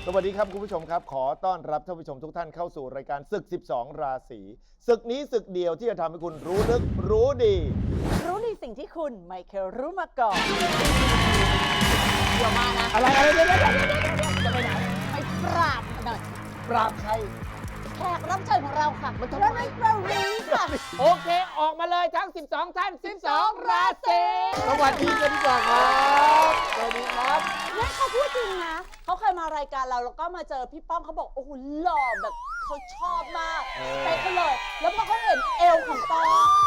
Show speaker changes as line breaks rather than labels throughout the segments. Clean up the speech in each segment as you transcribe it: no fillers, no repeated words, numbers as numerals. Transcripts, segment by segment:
วัสดีครับคุณผู้ชมครับขอต้อนรับท่านผู้ชมทุกท่านเข้าสู่รายการศึก 12 ราศีศึกนี้ศึกเดียวที่จะทำให้คุณรู้ลึกรู้ดี
รู้ในสิ่งที่คุณไม่เคยรู้มาก่อนเดี๋ยวมานะ
อะไรเดี๋ยว
จะไปไหนไปปราบหน่อย
ปราบใคร
แขกรับเชิญของเราค่ะมันทำไมเรารีค่ะ
โอเคออกมาเลยทั้ง12ท่าน12ราศี
สวัสดีกันดีกว่าครับสวัสดีครับ
เนี่ยเขาพูดจริงนะเขาเคยมารายการเราแล้วก็มาเจอพี่ป้อมเขาบอกโอ้โหหล่อแบบเขาชอบมากไปเขาเลยแล้วพอเขาเห็นเอวของปอ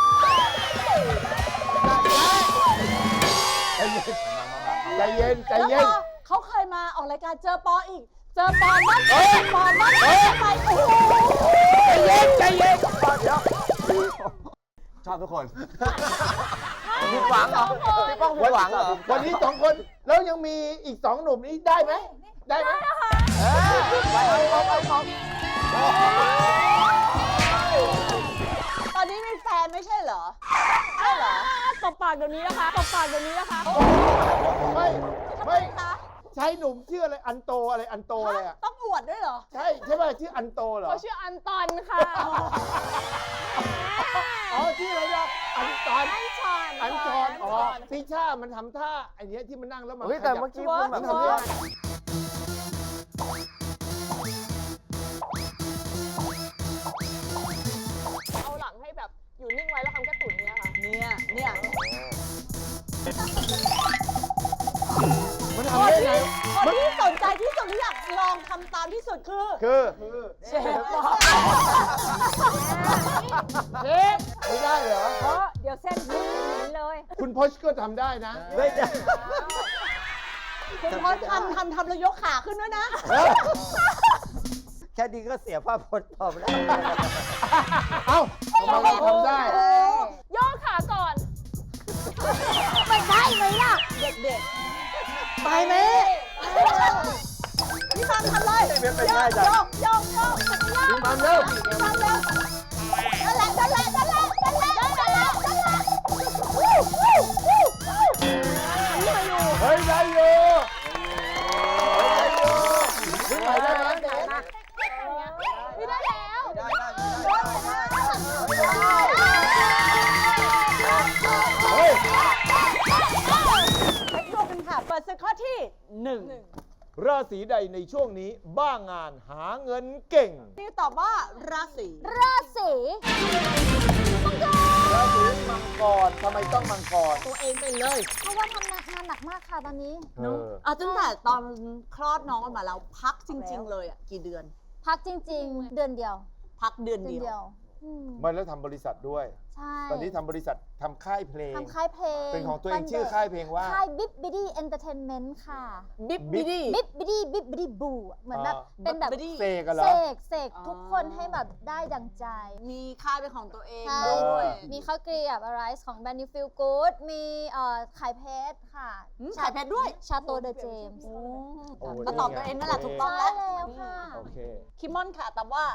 ใจเย็น
แล้วเขาเคยมาออกรายการเจอปออีกเจอปอนั่นปอนั่นไปโอ้โห
ใจเย็น
เดี๋ยวชอบทุกคน
ผิดหวังเหรอพี่ป้องผิดหวังเหรอ
วันนี้2 คนแล้วยังมีอีก2 หนุ่มนี้ได้ไหมได้ไหม
ตอนนี้มีแฟนไม่ใช่เหรอใช่เหรอตบปากเดี๋ยวนี้นะคะตบปากเดี๋ยวนี้นะคะ
ไม่ใช่หนุ่มชื่ออะไรอันโตอะไรอ่ะ
ต้องอวดด้วยเหรอ
ใช่ป่ะชื่ออันโตเหรอ
เขาชื่ออันตอนค่ะ
อ๋อชื่ออะไรนะอันชอนอ๋อติช่ามันทำท่าไอ้นี้ที่มันนั่งแล้วมัน
แต่เมื่อกี้คุณแบบทำท่า
เอาหลังให้แบบอยู่นิ่งไว้แล้วทำแค่ตุ๋นเนี่ยค่ะ
เนี่ย
มันทำได้ไง
คนที่สนใจที่สุดที่อยากลองทำตามที่สุดคือเชฟ
ไม่ได้เหรอ
เพราะเดี๋ยวเส้นยืนเลย
คุณพชก็ทำได้นะ
ไม่ได้
คุณพชทำแล้วยกขาขึ้นด้วยนะ
แค่นี้ก็เสียภาพพจน์พอแล้ว
เอ้าทำไมทำได้
ย่อขาก่อน
มันได้ไหมล่ะเด็กๆไปไหมพี่ฟังทำเลยโยก
พี่ฟังเร็ว
นั่นแหละ
เฮ้ยได้อยู่ขึ้นไปได้ไหม
ไม่ได้แล้ว
เฮ้ย
ไปดูกันค่ะเปิดศึกข้อที่1
ราศีใดในช่วงนี้บ้างงานหาเงินเก่ง
นี่ตอบว่าราศี
มังกรทำไมต้องมังกร
ตัวเองไปเลย
เพราะว่าทำงานหนักมากค่ะตอนนี้
ตั้งแต่ตอนคลอดน้องออกมาแล้วพักจริงๆเลยอ่ะกี่เดือน
พักจริงๆเดือนเดียว
พักเดือนเดียว
ไม่แล้วทำบริษัทด้วย
ใช่
ตอนนี้ทำบริษัททำค่ายเพลงเป็นของตัวเองชื่อค่ายเพลงว่า
ค่ายบิ๊บบิดี้เอนเตอร์เทนเมนต์ค่ะ
บิ๊บบิดี้
บูเหมือนแบบเป็นแบบ
เสกกันเหรอ
เสกทุกคนให้แบบได้ดังใจ
มีค่ายเป็นของตัวเอง
ด้วยมีข้าวเกลียบอะไรของแบรนด์นิวฟิลกู๊ดมีขายเพชรค่ะ
ขายเพชรด้วย
ชาโตเดอะเจมส์
ก็ตอบตัวเองนั่นแหละถูกต้องแล้ว
ค่ะ
โอเค
คิมมอนค่ะแต่ว่า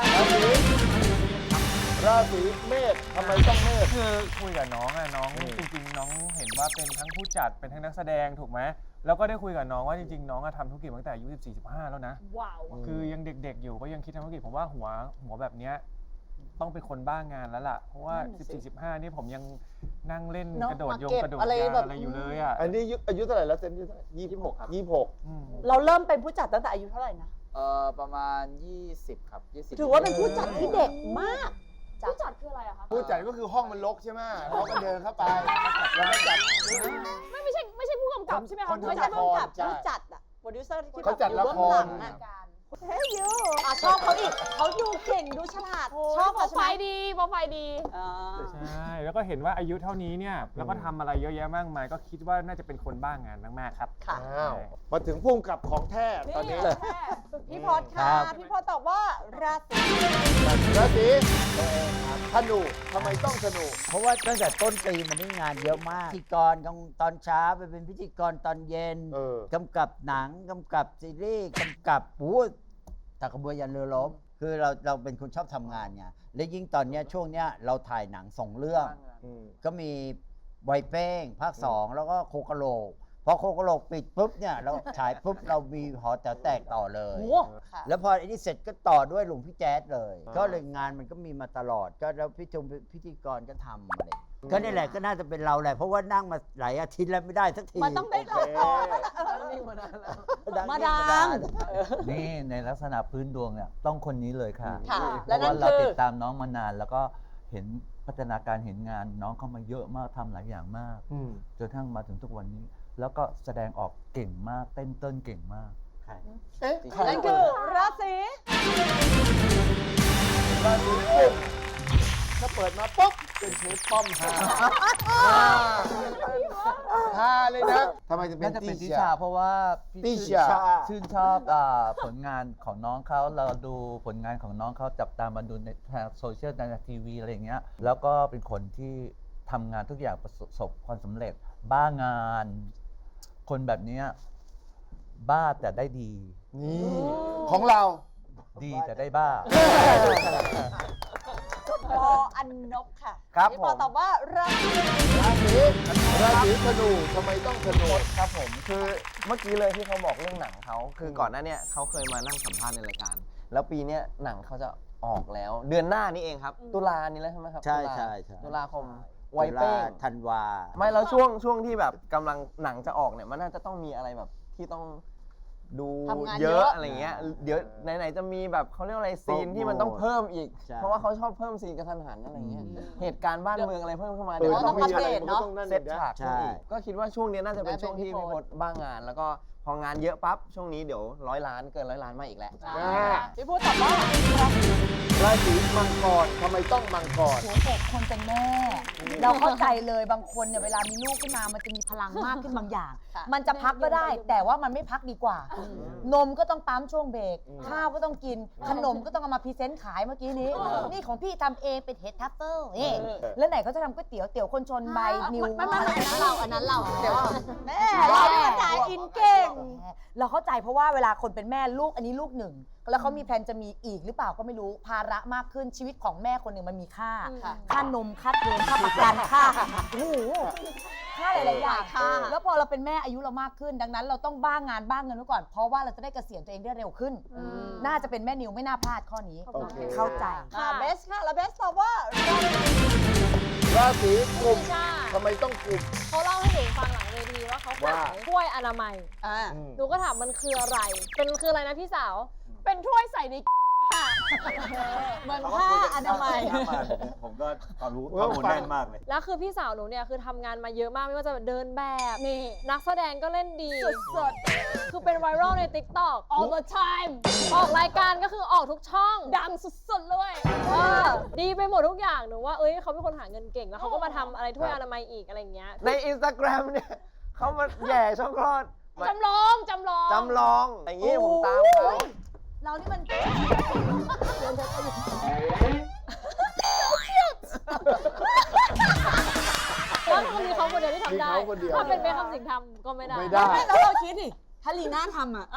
ราศีเมษทำไมต้องเมษ
คือคุยกับน้องน้องจริงๆน้องเห็นว่าเป็นทั้งผู้จัดเป็นทั้งนักแสดงถูกไหมแล้วก็ได้คุยกับน้องว่าจริงๆน้องทำธุรกิจมาตั้งแต่อายุ14-15แล้วนะ
ว้าว
คือยังเด็กๆอยู่ก็ยังคิดทำธุรกิจผมว่าหัวแบบเนี้ยต้องเป็นคนบ้างงานแล้วล่ะเพราะว่า14-15นี่ผมยังนั่งเล่นกระโดดยงกระโดดยางอะไรอยู่เลยอ่ะ
อันนี้อายุเท่าไหร่แล้วเซนอายุเท่าไหร่26 ครับ26
เราเริ่มเป็นผู้จัดตั้งแต่อายุเท่าไหร่นะ
ประมาณ20ครับ20
ถือว่าเป็นผู้จัดที่เด็กมาก
ผู้จัดคืออะไรอะคะ
ผู้จัดก็คือห้องมันรกใช่ไหมเขาก็เดินเข้าไปแล้วก็จัด
ไม่ใช่ผู้กำกับใช่ไหมคะ
ไม่ใช่ผู้กำกับผู้จัดอะโปรดิวเซอร์ที่
เขาจัดละคร
เฮ้ยยูชอบเขาอีกเขาดูเก่งดูฉลาดชอบ
โปรไฟล์ดี
ใช่แล้วก็เห็นว่าอายุเท่านี้เนี่ยแล้วก็ทำอะไรเยอะแยะมากมายก็คิดว่าน่าจะเป็นคนบ้างงานมากๆครับ
ค่ะ
มาถึงพุ่งกับของแท้ตอนนี้
พี่พอดค่ะพี่พอดตอบว่าราศี
ธนูทำไมต้องธนู
เพราะว่าตั้งแต่ต้นปีมันได้งานเยอะมากพิธีกรตอนเช้าไปเป็นพิธีกรตอนเย็นกำกับหนังกำกับซีรีส์กำกับตะกระบวยยันเรือรบคือเราเป็นคนชอบทำงานไงและยิ่งตอนนี้ช่วงเนี้ยเราถ่ายหนัง2 เรื่องก็มีไวเป้งภาค 2แล้วก็โคกะโหลกพอโคกะโหลกปิดปุ๊บเนี่ยเราฉายปุ๊บเรามีหอแต๋วแตกต่อเลย
โอ้ค่ะ
แล้วพอไอ้นี่เสร็จก็ต่อด้วยหลวงพี่แจ๊ดเลย ก็เลยงานมันก็มีมาตลอดก็แล้วพิธีกรก็ทำอะไรก็นี่แหละก็น่าจะเป็นเราแหละเพราะว่านั่งมาหลายอาทิตย์แล้วไม่ได้สักที
มันต้องได้
โอเค
มาดัง
นี่ในลักษณะพื้นดวงเนี่ยต้องคนนี้เลยค่ะ
ค่ะ
เพ
และ
ราะ
นั่
ว่าน เรา
คือ
ติดตามน้องมานาน แล้วก็เห็นพัฒนาการเห็นงานน้องเข้ามาเยอะมากทำหลายอย่างมากจนทั้งมาถึงทุกวันนี้ แล้วก็แสดงออกเก่งมากเต้นเก่งมาก
นั่นคือราศี
ราศีกุมถ้าเปิดมาปุ๊บเป็นเชฟป้อมฮาฮาเลยนะทำไมจะเป็น
น่าจะเป็น
ติ
ทิ
ชา
ชาเพราะว่า
ติ
พี่
ชา
ชื่นชอบผลงานของน้องเขาเราดูผลงานของน้องเขาจับตามมาดูในทางโซเชียลในทีวีอะไรอย่างเงี้ยแล้วก็เป็นคนที่ทำงานทุกอย่างประสบความสำเร็จบ้างาน คนแบบเนี้ยบ้าแต่ได้ดี
นี่ของเรา
ดีแต่ได้บ้า
ปออันนบค่ะ
ครับ
พี่ปอ
ผม
ตอบว่าราศี
ราศีธนูทำไมต้องธนู
ครับผมคือเมื่อกี้เลยที่เขาบอกเรื่องหนังเขาคือก่อนหน้าเนี้ยเขาเคยมานั่งสัมภาษณ์ในรายการ แล้วปีเนี้ยหนังเขาจะออกแล้ว เดือนหน้านี้เองครับ ตุลานี้แล้วใช่ไหมครับ
ใช่
ตุลา
ใช่ใช่
ตุลาคมไวเป้ง
ธันวา
ไม่แล้วช่วงที่แบบกำลังหนังจะออกเนี่ยมันน่าจะต้องมีอะไรแบบที่ต้องดู
ทำงาน
เย
เย
อะ
อะ
อะไรเงี้ยเดี๋ยวไหนๆจะมีแบบเขาเรียกว่าอะไรซีนที่มันต้องเพิ่มอีก
ใช่
เพราะว่าเขาชอบเพิ่มซีนกระทันหันอะไรเงี้ยเหตุการณ์บ้านเมืองอะไรเพิ่มเข้ามา
เอ
เดี๋ย
อ
ว
ต้
ต้
อ
อง ง
มีอะไรมันก็ต้องนั่น
เซต
นะ
ฉากขึ้นอีกก็คิดว่าช่วงนี้น่าจะเป็นช่วงที่พี่พศบ้างงาน แล้วก็พองานเยอะปั๊บช่วงนี้เดี๋ยว100 ล้านเกิน100 ล้านมาอีกแล้ว
พี่พูดตอบว่า
ราศีมังกรทำไมต้องมังกร
หัวอกคนเป็นแม่ เราเข้าใจเลยบางคนเนี่ยเวลามีลูกขึ้นมามันจะมีพลังมากขึ้นบางอย่าง
ค่ะ
มันจะพักก็ได้ แต่ว่ามันไม่พักดีกว่า นมก็ต้องปั๊มช่วงเบรกข้าวก็ต้องกิน ขนมก็ต้องเอามาพรีเซนต์ขายเมื่อกี้นี้ นี่ของพี่ทำเองเป็นเห็ดทัฟเฟิลนี่แล้วไหนเขาจะทำก๋วยเตี๋ยวเตี๋ยวคนชนใบนิว
ไม่อันนั้นเราเดี๋ยวแม่
เรา
เรา
เนี่
เนี่ย ย
จ่า
จ่าย ย
อิ
อิ
น
น
เก่
เก่
ง
ง
เราเข้าใจเพราะว่าเวลาคนเป็นแม่ลูกอันนี้ลูกหนึ่งแล้วเขามีแผนจะมีอีกหรือเปล่าก็ไม่รู้ภาระมากขึ้นชีวิตของแม่คนหนึ่งมันมีค่า
ค่ะ
ค่านมค่าเทอมค่าประกันค่าโอ้โหค่าหลายๆอย่าง
ค่ะ
แล้วพอเราเป็นแม่อายุเรามากขึ้น ดังนั้นเราต้องบ้างงานบ้างเงินไว้ก่อน เพราะว่าเราจะได้เกษียณตัวเองได้เร็วขึ้น น่าจะเป็นแม่นิวไม่น่าพลาดข้อนี้
โอเค
เข้าใจ
ค่ะเบสค่ะ แล้วเบสตอบว่า
ราศีกุม
ใช่
ทำไมต้องกุม
เขาเล่าให้หนูฟังหลังเวทีว่าเขา
ว่า
ขายถ้วยอนามัย
อ่า
หนูก็ถามมันคืออะไร คืออะไรนะพี่สาว เป็นถ้วยใส่ในค่ะ
เหมือนผ้าอนามัย
ผมก็ความรู้ข้อมูลแน่นมากเลย
แล้วคือพี่สาวหนูเนี่ยคือทำงานมาเยอะมากไม่ว่าจะเดินแบบ
นี่
นักแสดงก็เล่นดีสดๆคือเป็นไวรัลใน TikTok
all the time
ออกรายการก็คือออกทุกช่อง
ดังสุดๆเลย
ดีไปหมดทุกอย่างหนูว่าเอ้ยเขาเป็นคนหาเงินเก่งแล้วเขาก็มาทำอะไรถ้วยอนามัยอีกอะไรอย่างเงี้ย
ใน Instagram เนี่ยเขามาแย่ช่องคลอด
จำลอง
จำลองอย่างนี้ผมตามเขา
เรานี่มัน
แล้วคงมีเขาคนเดียวที่ทำได้
มีเขาคนเดียว
ถ้าเป็นเบคคำสิงห์ทำก็ไม่ได้
ไม่ได้
แล้วเราคิดดิถ้าลีน่าทำอ่ะ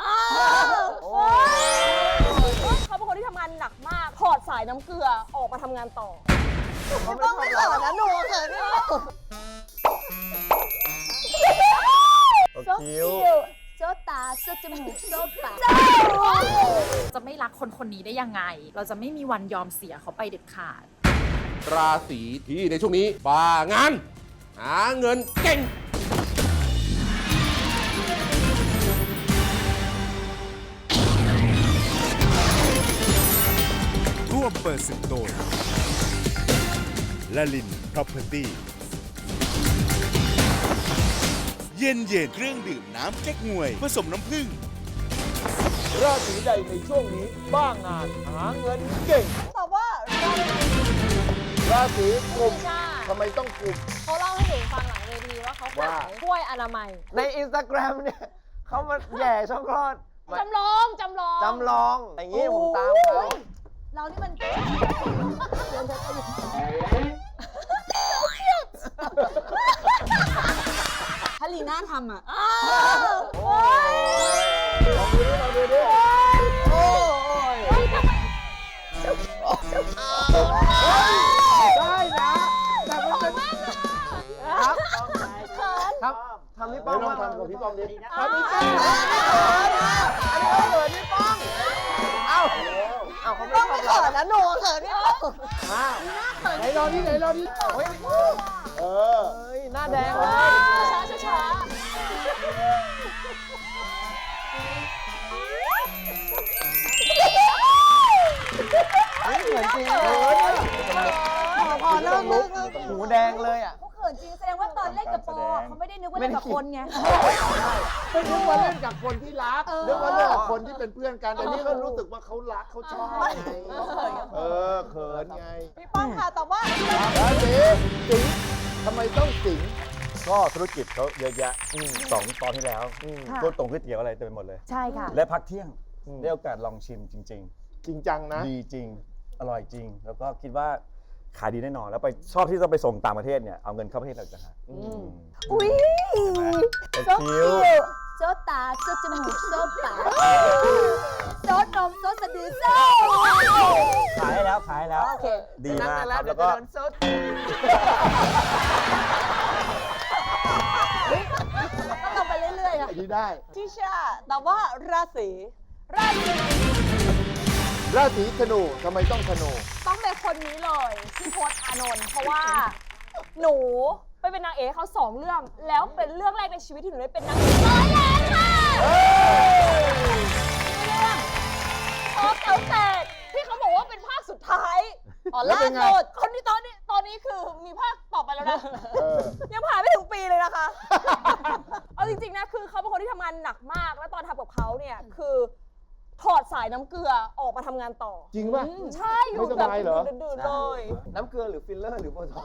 เขาเป็นคนที่ทำงานหนักมาก ถอดสายน้ำเกลือออกมาทำงานต่อ
ต้องไม่เขินนะหนูเขินเนี่ย
คิ้ว
โซตาโซจมูกโซปาก
จะไม่รักคนคนนี้ได้ยังไง เราจะไม่มีวันยอมเสียเขาไปเด็ดขาด
ราศีที่ในช่วงนี้บ้างาน หาเงินเก่ง
ร่วมเปิดศึกโดยละลิน Property เย็นเครื่องดื่มน้ำแก๊กงวยผสมน้ำผึ้ง
ราศีใดในช่วงนี้บ้างงานหาเงินเก่ง
ตอบว่า
ราศีกุม
ใช่
ทำไมต้องกุม
เขาเล่าให้หนูฟังหลังเวทีว่าเขา
ว่า
ขายถ้วยอนามัย
ใน Instagram เนี่ยเขามาแย่ช่องคลอด
จำลอง
จำลองอย่างนี้ผมตามเขา
เรานี่มัน
ถ้าลีน่าทำอ่ะ
ลองดูดิโอ้ยได้นะ แต่มันเป็น
ครับทำพี่
ไป
ป้อง
ลอง
บ้าง
ทำกับพี่ป้องดิ
ทำพี่ป้องอันนี้เขาเขินพี่ป้องเอ้าเขาไม่ทำเรา
นะหนูเขินพี่ป้อง
อ้าวไหนลองดิไหนลองดิเฮ้ยเออ
เฮ้ยหน้าแดงเลย
ช้า
เฮ้ยเหมือนจริง
พอเลิก
หูแดงเลยอ่ะ
เขาเขินจริงแสดงว่าตอนเล่นกับปอเขาไม่ได้นึกว่าเล่นกับคนไง
ไม่นึกว่าเล่นกับคนที่รักนึกว่าเล่นกับคนที่เป็นเพื่อนกันแต่นี่เขารู้สึกว่าเขารักเขาชอบไงเออเขินไง
ๆพี่ป้องค่ะแต่ว่า
ราศีสิงห์ทำไมต้องสิงห์ก็ธุรกิจเขาเยอะแยะ
2 ตอนที่แล้วก๋วยตงก๋วยเตี๋ยวอะไรเต็มไปหมดเลย
ใช่ค่ะ
และพักเที่ยงได้โอกาสลองชิมจริง
จริงจังนะ
ๆ ดีจริง อร่อยจริง แล้วก็คิดว่าขายดีแน่นอน แล้วไปชอบที่จะไปส่งต่างประเทศเนี่ย เอาเงินเข้าประเทศเราจะหา
อุ้ย
โซคิว
โซตาโซจมูกโซปากโซนมโซสะดือโซ
ขายให้แล้วขายให้แล้ว
โอเค
ดีมากครับ แล้วก็
ต้องลงไปเรื่อยๆค่ะ
ดีได้
ทิชาแต่ว่าราศี
ราศีธนูทำไมต้องธนู
ต้องเป็นคนนี้เลยพี่พจน์อานนท์เพราะว่าหนูไปเป็นนางเอกเขา2 เรื่อง แล้วเป็นเรื่องแรกในชีวิตที่หนูได้เป็นนางเอกร้อยล้านค่ะเรื่องพอเต๋อแตกที่เขาบอกว่าเป็นภาคสุดท้ายล่าสุดคนนี้ตอนนี้คือมีภาคต่อไปแล้วนะ ยังผ่านไม่ถึงปีเลยนะคะ เอาจริงๆนะคือเขาเป็นคนที่ทำงานหนักมาก แล้วตอนทำกับเขาเนี่ยคือถอดสายน้ำเกลือออกมาทำงานต่อ
จริงป่ะ
ใช่อยู่
ไม่ส
แบบ
บายเหรอ
ดื่นๆเลย
น้ำเกลือหรือฟิลเลอร์หรือโบท็อกซ์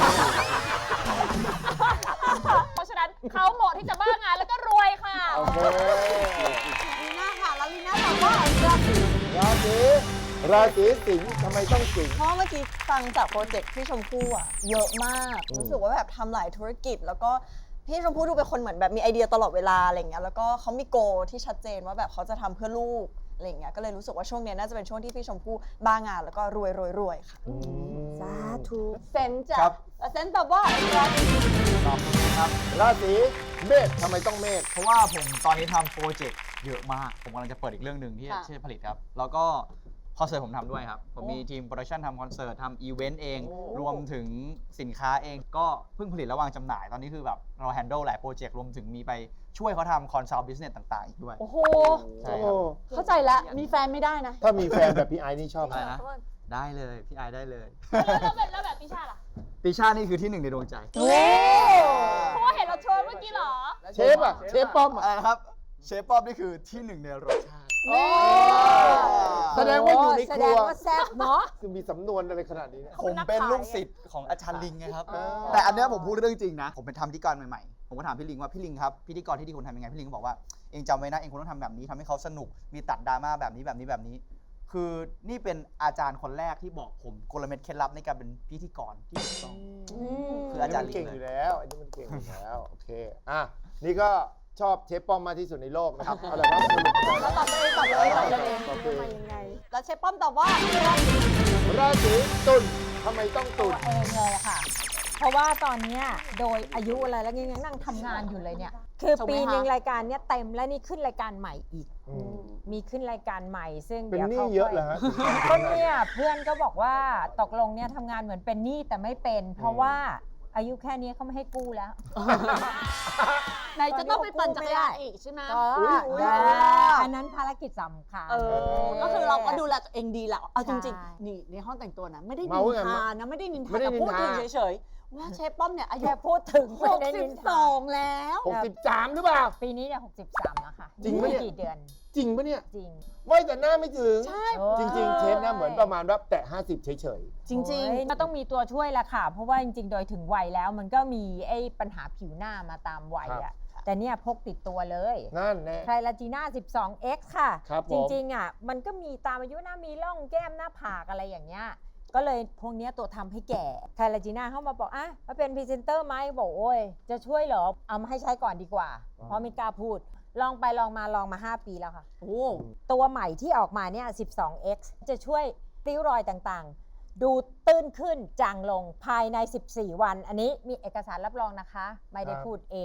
เพราะฉะนั้นเขาเหมาะที่จะบ้างานแล้วก็รวยค่ะ
โอเค
ลีน่าค่ะแล้วลีน่าตอบว่าราศี
ราศีสิงห์ทำไมต้องสิงห์
เพราะเมื่อกี้ฟังจากโปรเจกต์พี่ชมพู่อะเยอะมาก รู้สึกว่าแบบทำหลายธุรกิจ แล้วก็พี่ชมพู่ดูเป็นคนเหมือนแบบมีไอเดียตลอดเวลาอะไรอย่างเงี้ยแล้วก็เขามีโกที่ชัดเจนว่าแบบเขาจะทำเพื่อลูกอะไรอย่างเงี้ยก็เลยรู้สึกว่าช่วงเนี้ยน่าจะเป็นช่วงที่พี่ชมพู่บ้างานแล้วก็รวยค่ะ
สาธุ
เซนจ้ะเซนตอบว่าราศี
ราศีเมษทำไมต้องเมษ
เพราะว่าผมตอนนี้ทำโปรเจกต์เยอะมาก ผมกำลังจะเปิดอีกเรื่องหนึ่งที่จะผลิตครับ แล้วก็คอนเสิร์ตผมทำด้วยครับ ผมมีทีมโปรดักชันทำคอนเสิร์ตทำอีเวนต์เอง รวมถึงสินค้าเองก็เพิ่งผลิตและวางจำหน่าย ตอนนี้คือแบบเราแฮนด์ลหลายโปรเจกต์รวมถึงมีไปช่วยเขาทำคอนซัลท์บิสเนสต่างๆอีกด้วย
โอ้โห
ใช่ครับ
เข้าใจแล้วมีแฟนไม่ได้นะ
ถ้ามีแฟนแบบพี่ไอ้นี่ชอบไหม
อะไรนะ ได้เลยพี่ไอได้เลย
แล้วแบบติชาล่ะ
ติชานี่คือที่ 1ในดวงใจ
เพราะว่าเห็นเราโชว์เมื่อกี้เหรอ
เชฟอ่ะเชฟป้อม
อะไรนะครับ เชฟป๊อบนี่คือที่ 1ในรสชาติ
แสดงว่าอยู่ในครัว
แสดงว่าแซ่บเนาะ
คือมีสำนวนอะไรขนาดนี้เนี่ย
ผมเป็นลูกศิษย์ของอาจารย์ลิงไงครับ แต่อันเนี้ยผมพูดเรื่องจริงนะ ผมเป็นทำพิธีกรใหม่ๆ ผมก็ถามพี่ลิงว่าพี่ลิงครับพิธีกรที่ดีควรทำยังไง พี่ลิงก็บอกว่าเองจำไว้นะเองควรต้องทำแบบนี้ทำให้เขาสนุก มีตัดดราม่าแบบนี้แบบนี้แบบนี้ คือนี่เป็นอาจารย์คนแรกที่บอกผมกลเม็ดเคล็ดลับในการเป็นพิธีกรที่ถูกต้อง คืออาจารย์ลิง
เก่ง
เล
อย ยู่แล้วไอ้นี่มันเก่งอยู่แล้ว โอเค อ่ะ นี่ก็ชอบเชฟป้อมมากที่สุดในโลกนะครับเอาละไรบ้างสรุป
เราตอบเลยตอบเลยตอบเลย
โอเค
มายังไง แล้วเชฟป้อมตอบว่า
ราศีตุลทำไมต้องตุล
เองเลยอะค่ะ เพราะว่าตอนเนี้ยโดยอายุอะไรแล้วยังนั่งทำงานอยู่เลยเนี่ย คือปีหนึ่งรายการเนี้ยเต็มแล้วนี่ขึ้นรายการใหม่อีก มีขึ้นรายการใหม่ซึ่ง
เป็น
เดี๋ยว
หนี้
เขา
เยอะเหรอฮะ
ก็เนี่ยเพื่อนก็บอกว่าตกลงเนี่ยทำงานเหมือนเป็นหนี้แต่ไม่เป็น เพราะว่าอายุแค่นี้เขาไม่ให้กู้แล้ว
ไหนจะต้องไปปั่นจักรยานอีกใช่ไหม
ก็อันนั้นภารกิจสำคัญ
ก็คือเราก็ดูแลตัวเองดีแหละเอาจริง
ใช่
ๆ นี่ในห้องแต่งตัวนะ ไม่ได้นิ
เมาน ไง
ทานะ ไม่ได้นินทา
ไม่ได้
แต่
นิน
พูด
ทา
ถึงเฉยๆ ว่าเชฟป้อมเนี่ยอายุ
แค่พูดถึงไม่ได้นินทา
62 แล้ว
63หรือเปล่า
ปีนี้เนี่ย63แล้วค่ะ
จริงปะเนี่ย
กี่เดือน
จริงปะเนี่ย
จริง
ไม่แต่หน้าไม่ถึง
ใช่
จริง ๆ เชฟหน้าเหมือนประมาณว่าแตะ50 เฉย
จริง
โอ้ยมันต้องมีตัวช่วยละค่ะ เพราะว่าจริงๆ โดยถึงวัยแล้วมันก็มีไอ้ปัญหาผิวหน้ามาตามวัยอ่ะ แต่เนี่ยพกติดตัวเลย
ๆ นั่นแน่
ไทรลาจีน่า 12x ค่ะ
ครับผม
จริงๆ อ่ะ มันก็มีตามอายุหน้ามีร่องแก้มหน้าผากอะไรอย่างเงี้ย ก็เลยพวกเนี้ยตัวทำให้แก่ ไทรลาจีน่าเข้ามาบอกอ่ะมาเป็นพรีเซนเตอร์ไหมบอกโอ้ย จะช่วยเหรอ เอามาให้ใช้ก่อนดีกว่า เพราะไม่กล้าพูด ลองไปลองมา5 ปีแล้วค่ะ ตัวใหม่ที่ออกมาเนี่ย 12x จะช่วยริ้วรอยต่างๆ ดูตื้นขึ้นจางลงภายใน 14 วัน อันนี้มีเอกสารรับรองนะคะ ไม่ได้พูดเอง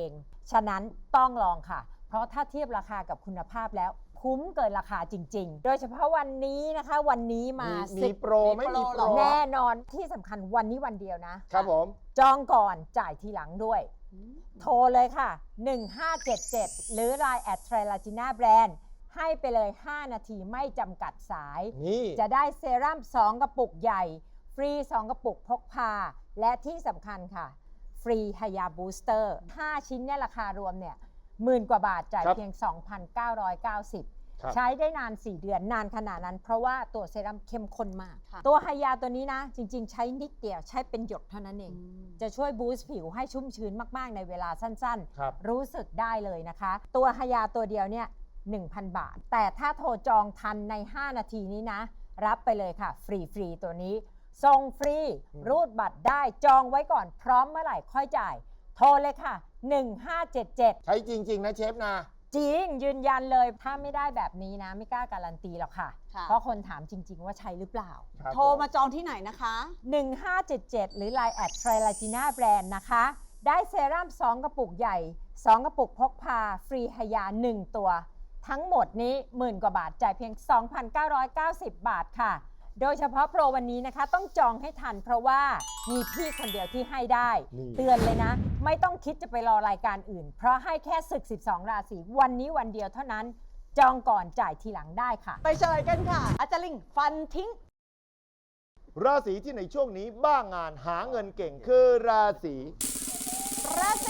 ฉะนั้นต้องลองค่ะ เพราะถ้าเทียบราคากับคุณภาพแล้วคุ้มเกินราคาจริงๆ โดยเฉพาะวันนี้นะคะวันนี้มา
มีโปรไหมมีโปร
แน่นอนที่สำคัญวันนี้วันเดียวนะ
ครับผม
จองก่อนจ่ายทีหลังด้วย โทรเลยค่ะ 1577 หรือ Line @Trilagina Brand ให้ไปเลย 5 นาทีไม่จำกัดสาย
นี่
จะได้เซรั่ม 2 กระปุกใหญ่ ฟรี 2 กระปุกพกพา และที่สำคัญค่ะ ฟรีฮายาบูสเตอร์ 5 ชิ้นเนี่ยราคารวมเนี่ย10,000 กว่าบาทจ่ายเพียง 2,990 ใช้ได้นาน 4 เดือนนานขนาดนั้นเพราะว่าตัวเซรั่มเข้มข้นมาก ตัวไฮยาตัวนี้นะ จริงๆ ใช้นิดเดียวใช้เป็นหยดเท่านั้นเอง จะช่วยบูสต์ผิวให้ชุ่มชื้นมากๆในเวลาสั้นๆ รู้สึกได้เลยนะคะ ตัวไฮยาตัวเดียวเนี่ย 1,000 บาท แต่ถ้าโทรจองทันใน 5 นาทีนี้นะ รับไปเลยค่ะ ฟรีๆตัวนี้ส่งฟรีรูดบัตรได้จองไว้ก่อนพร้อมเมื่อไหร่ค่อยจ่าย โทรเลยค่ะ 1577
ใช้จริง ๆ นะเชฟนะ
จริงยืนยันเลยถ้าไม่ได้แบบนี้นะ ไม่กล้าการันตีหรอกค่ะ เพราะคนถามจริง ๆ ว่าใช่หรือเปล่า
โทรมาจองที่ไหนนะคะ
1577 หรือ Line @Trilagina Brand นะคะ ได้เซรั่ม 2 กระปุกใหญ่ 2 กระปุกพกพา ฟรีฮายา 1 ตัว ทั้งหมดนี้10,000 กว่าบาทจ่ายเพียง 2,990 บาทค่ะ โดยเฉพาะโปรวันนี้นะคะต้องจองให้ทันเพราะว่ามีพี่คนเดียวที่ให้ได้ เตือนเลยนะ ไม่ต้องคิดจะไปรอรายการอื่น เพราะให้แค่ศึก 12 ราศีวันนี้วันเดียวเท่านั้น จองก่อนจ่ายทีหลังได้ค่ะ
ไปเฉลยกันค่ะ อาจารย์ลิงฟันทิ้ง
ราศีที่ในช่วงนี้บ้างานหาเงินเก่งคือราศี
ราศี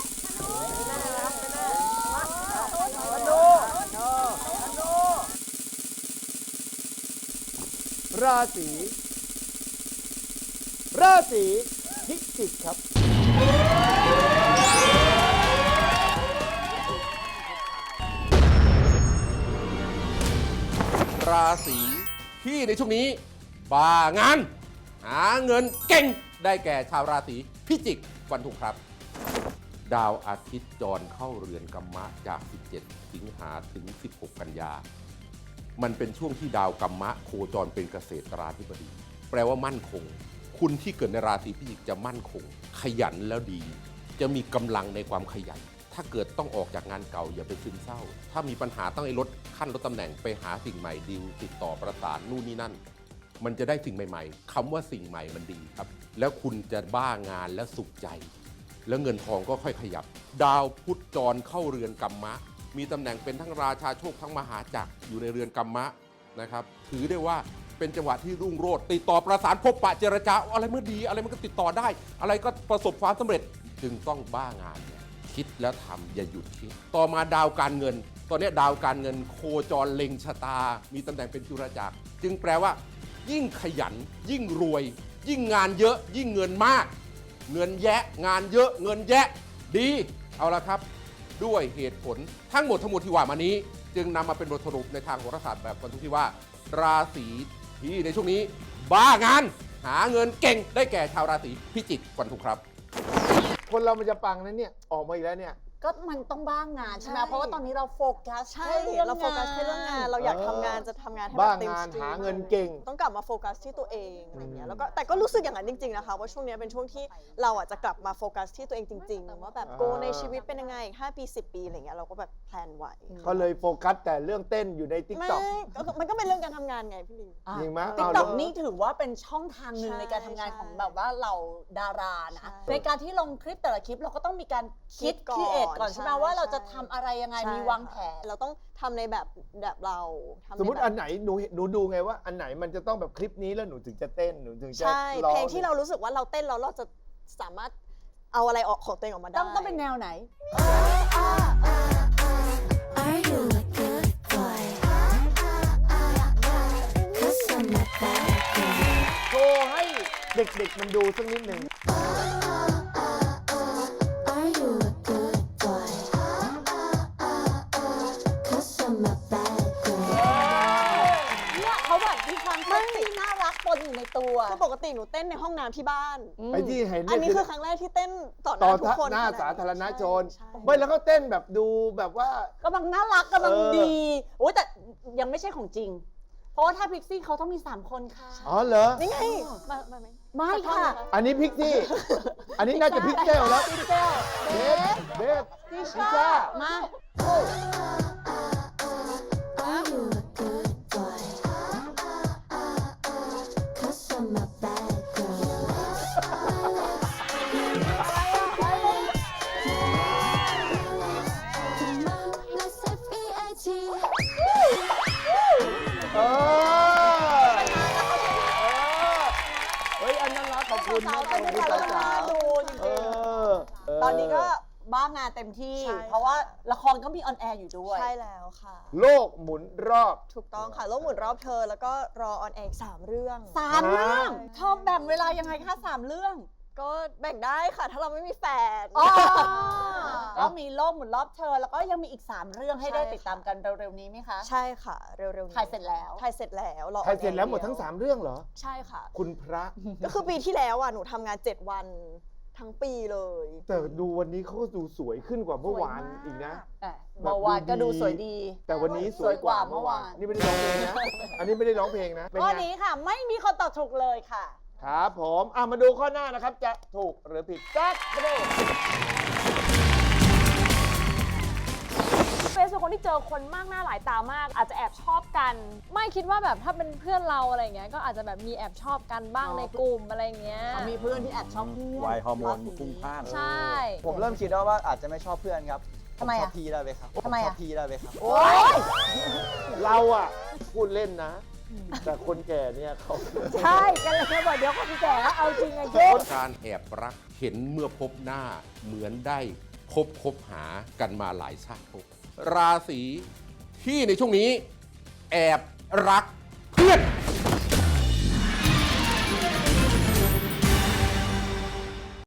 ราศีพิจิกครับ
ราศีที่ในช่วงนี้บ้างาน หาเงินเก่งได้แก่ชาวราศีพิจิกฟันธงครับ ดาวอาทิตย์จรเข้าเรือนกัมมะจาก 17 สิงหาถึง 16 กันยา มันเป็นช่วงที่ดาวกัมมะโคจรเป็นเกษตราธิบดี แปลว่ามั่นคง คุณที่เกิดในราศีพิจิกจะมั่นคง ขยันแล้วดี จะมีกำลังในความขยัน ถ้าเกิดต้องออกจากงานเก่าอย่าไปซึมเศร้า ถ้ามีปัญหาต้องให้ลดขั้นลดตำแหน่งไปหาสิ่งใหม่ดีลติดต่อประสานนู่นนี่นั่น มันจะได้สิ่งใหม่ๆคำว่าสิ่งใหม่มันดีครับ แล้วคุณจะบ้างานและสุขใจ แล้วเงินทองก็ค่อยขยับ ดาวพุธจรเข้าเรือนกัมมะ มีตำแหน่งเป็นทั้งราชาโชคทั้งมหาจักรอยู่ในเรือนกัมมะนะครับถือได้ว่าเป็นจังหวะที่รุ่งโรจน์ติดต่อประสานพบปะเจรจาอะไรเมื่อดีอะไรมันก็ติดต่อได้ อะไรก็ประสบความสำเร็จจึงต้องบ้างานเนี่ยคิดแล้วทำอย่าหยุดคิด ต่อมาดาวการเงิน ตอนนี้ดาวการเงินโคจรเล็งชะตา มีตำแหน่งเป็นจุลจักรจึงแปลว่า ยิ่งขยันยิ่งรวย ยิ่งงานเยอะยิ่งเงินมาก เงินแยะงานเยอะเงินแยะดีเอาละครับด้วยเหตุผลทั้งหมดที่ว่ามานี้ จึงนำมาเป็นบทสรุปในทางโหราศาสตร์แบบฟันธงที่ว่า ราศีที่ในช่วงนี้บ้างานหาเงินเก่งได้แก่ชาวราศีพิจิกฟันธงครับ
คนเรามันจะปังนั้นเนี่ยออกมาอีกแล้วเนี่ย
ก็มันต้องบ้างงานใช่ไหม
ใช่
เพราะว่าตอนนี้เราโฟกัส
ใช่
แค่เรื่อง
เราโฟกัสแค่เรื่องงาน เราอยากทำงานจะทำงานให้แบบ
บ้าง
เต็ม
งาน
สตรีม
หาเงินเก่ง
ต้องกลับมาโฟกัสที่ตัวเองอะไรเงี้ยแล้วก็แต่ก็รู้สึกอย่างนั้นจริงๆนะคะว่าช่วงนี้เป็นช่วงที่เราอ่ะจะกลับมาโฟกัสที่ตัวเองจริงๆว่าแบบโกในชีวิตเป็นยังไงอีก5 ปี 10 ปีอะไรเงี้ยเราก็แบบแพลนไว้
ก็เลยโฟกัสแต่เรื่องเต้นอยู่ในติ๊ก
ไม่
ต็อก
ก็มันก็เป็นเรื่องการทำงานไงพี่ลิง
จริงไหม
ติ๊ก
เอา
ต็อก
แล้ว
นี่ถือว่าเป็นช่องทางหนึ่ง
ใช่
ในการทำงานของแบบว่าเราดารานะ
ใช่
ในการที่ลงคลิปแต่ละคลิปเราก็ต้องมีการคิด
ก่อน
คิดเอทก่อนใช่ไหม
ใช่
ว่าเราจะทำอะไรยังไง
ใช่
มีวางแผน
เราต้องทำในแบบเราทำใน
สมมติ
แบบ
อันไหนหนูดูไงว่าอันไหนมันจะต้องแบบคลิปนี้แล้วหนูถึงจะเต้นหนูถึงจะ
ใช่
ร้อง
เพลงที่เรารู้สึกว่าเราเต้นแล้วเราจะสามารถเอาอะไรออกของตัวเองออกมาได้
ต้องเป็นแนวไหน
Are you a good boy? 'Cause I'm a bad girl.
โชว์ให้เด็กๆมันดูสักนิดหนึ่ง
Are you a good boy? 'Cause I'm a bad girl.
เนี่ยเขาแบบมีความเซ็กซี่น่ารักปนอยู่ในตัว
คือปกติหนูเต้นในห้องน้ำที่บ้าน
ไอ้ที่เห็น
อันนี้
เย
คือครั้งแรกที่เต้นต่อห
ต่
น้า
อ
ทุกคน
หน้า
ขด
สาธารณชน
ใช่
ไม่แล้วก็เต้นแบบดูแบบว่า
กำลังน่ารักกำลัง
เออ
ดีโอ้ยแต่ยังไม่ใช่ของจริง เพราะว่าถ้าพิกซี่เขาต้องมี3 คนค่ะ
อ๋อเหรอ
นี่ไงมาไหม
ไม่ค่ะ
อันนี้พิกซี่ อันนี้น่าจะพิกเซลแล้ว
พิกเซล
เบส
พิชามา
Are you a good boy? 'Cause I'm a bad girl. Come on, let's have EIT.
เฮ้ย อันนั้นรักขอบคุณ
สาวๆเต้นด้วยกันแล้วมันน่าดูจริงๆตอนนี้ก็บ้างานเต็มที่
ใช่ค่ะ
เพราะว่าละครก็มีออนแอร์อยู่ด้วย
ใช่แล้วค่ะ
โลกหมุนรอบ
ถูกต้องค่ะโลกหมุนรอบเธอแล้วก็รอออนแอร์อีก3เรื่อง
3 เรื่องเธอแบ่งเวลายังไงคะ3 เรื่อง
ก็แบ่งได้ค่ะ ถ้าเราไม่มีแฟน
ก็มีโลกหมุนรอบเธอ แล้วก็ยังมีอีก 3 เรื่องให้ได้
ใช่ค่ะ
ติดตามกันเร็วๆนี้ไหมคะ
ใช่ค่ะ เร็วๆนี้
ถ่ายเสร็จแล้ว
ถ่ายเสร็จแล้วรอ
ใครเสร็จแล้วหมดทั้ง 3 เรื่องเหรอ
ใช่ค่ะ
คุณพระ
ก็คือปีที่แล้วอ่ะหนูทำงาน7 วันทั้งปีเลย
แต่ดูวันนี้เขาก็ดูสวยขึ้นกว่าเมื่อวานอีกนะ
เมื่อวานก็ดูสวยดี
แต่วันนี้สวยกว่า
สวยกว่าเมื่อวาน
นี่ไม่ได้ร้องเพลงนะ อันนี้ไม่ได้ร้องเพลงนะ เป็น
ข้อ
ไง
นี้ค่ะไม่มีคนตอบถูกเลยค่ะ
ครับผมมาดูข้อหน้านะครับ จะถูกหรือผิดจัดไปดู
เฟซเป็นคนที่เจอคนมากหน้าหลายตามาก อาจจะแอบชอบกัน ไม่คิดว่าแบบถ้าเป็นเพื่อนเราอะไรเงี้ยก็อาจจะแบบมีแอบชอบกันบ้างในกลุ่มอะไรเงี้ย
มีเพื่อนที่แอบชอบเพื่อน
วัยฮอร์โมนพุ่งพล่าน
ใช่
ผมเริ่มคิดแล้วว่าอาจจะไม่ชอบเพื่อนครับ
ทำไม
ชอ
อ่ะ
บพี่ได้ไหมครับ
ทำไมอ่ะ
ชอบพี่ได้ไหมครับ
โอ๊ย
เราอ่ะ พูดเล่นนะ แต่คนแก่เนี่ยเขา
ใช่กันเลยบอกเดี๋ยวคนแก่แล้วเอาจริงไงเจ๊
การแอบรักเห็นเมื่อพบหน้าเหมือนได้คบหากันมาหลายชาติภพราศีที่ในช่วงนี้แอบรักเพื่อน